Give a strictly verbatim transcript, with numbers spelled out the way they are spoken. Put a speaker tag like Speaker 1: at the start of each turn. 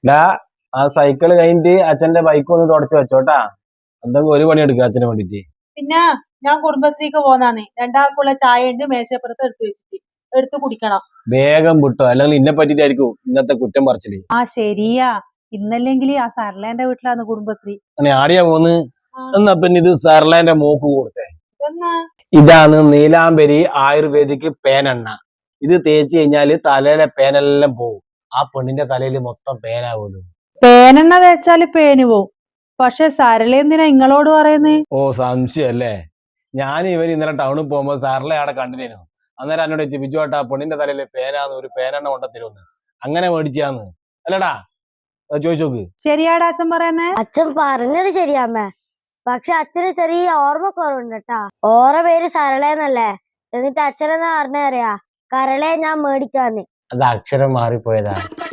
Speaker 1: ഡാ ആ സൈക്കിള് കഴിഞ്ഞിട്ട് അച്ഛന്റെ ബൈക്ക് ഒന്ന് തുടച്ചു വെച്ചോട്ടാ. എന്തെങ്കിലും ഒരു പണി എടുക്കുക അച്ഛന് വേണ്ടിട്ട്.
Speaker 2: പിന്നെ ഞാൻ കുടുംബശ്രീക്ക് പോന്നാന്ന് രണ്ടാൾക്കുള്ള ചായ ഉണ്ട് മേശപ്പുറത്ത് എടുത്തു വെച്ചിട്ട് എടുത്ത് കുടിക്കണം.
Speaker 1: വേഗം വിട്ടോ, അല്ലെങ്കിൽ ഇന്നെ പറ്റിട്ടായിരിക്കും ഇന്നത്തെ കുറ്റം പറിച്ചില്.
Speaker 2: ആ ശരിയാ, ഇന്നല്ലെങ്കിൽ ആ സർലേന്റെ വീട്ടിലാന്ന് കുടുംബശ്രീ.
Speaker 1: അങ്ങനെ ആടിയാ പോന്ന്.
Speaker 2: ആ,
Speaker 1: എന്നാ പിന്നെ ഇത് സർലാന്റെ മോക്ക് കൊടുത്തേ.
Speaker 2: ഇതെന്നാ?
Speaker 1: ഇതാണ് നീലാംബരി ആയുർവേദിക് പേനെണ്ണ. ഇത് തേച്ച് കഴിഞ്ഞാല് തലയിലെ പേനെല്ലാം പോവും. ആ പെണ്ണിന്റെ തലയിൽ മൊത്തം പേനാവുമല്ലോ.
Speaker 2: പേനെണ്ണ തേച്ചാല് പേന് പോവും, പക്ഷെ സരള എന്തിനാ ഇങ്ങളോട് പറയുന്നേ?
Speaker 1: ഓ സംശയം അല്ലേ. ഞാൻ ഇവർ ഇന്നലെ ടൗണിൽ പോകുമ്പോ സാറിലെ അവിടെ കണ്ടിനു. അന്നേരം എന്നോട് ചോദിച്ചു, ബിജു ഏട്ടാ പെണ്ണിന്റെ തലയിൽ പേനാന്ന് ഒരു പേനെണ്ണ കൊണ്ടത്തരുമെന്ന്. അങ്ങനെ മേടിച്ചാന്ന് അല്ലടാ, ചോദിച്ചു നോക്ക്.
Speaker 2: ശരിയാടാ അച്ഛൻ പറയുന്നേ.
Speaker 3: അച്ഛൻ പറഞ്ഞത് ശരിയാമ്മേ, പക്ഷെ അച്ഛന് ചെറിയ ഓർമ്മ കുറവുണ്ട് കേട്ടാ. ഓറ പേര് സരളേന്നല്ലേ, എന്നിട്ട് അച്ഛനെന്നാ പറഞ്ഞറിയാ കരളെ ഞാൻ മേടിക്കാന്ന്.
Speaker 1: അത് അക്ഷരം മാറിപ്പോയതാ.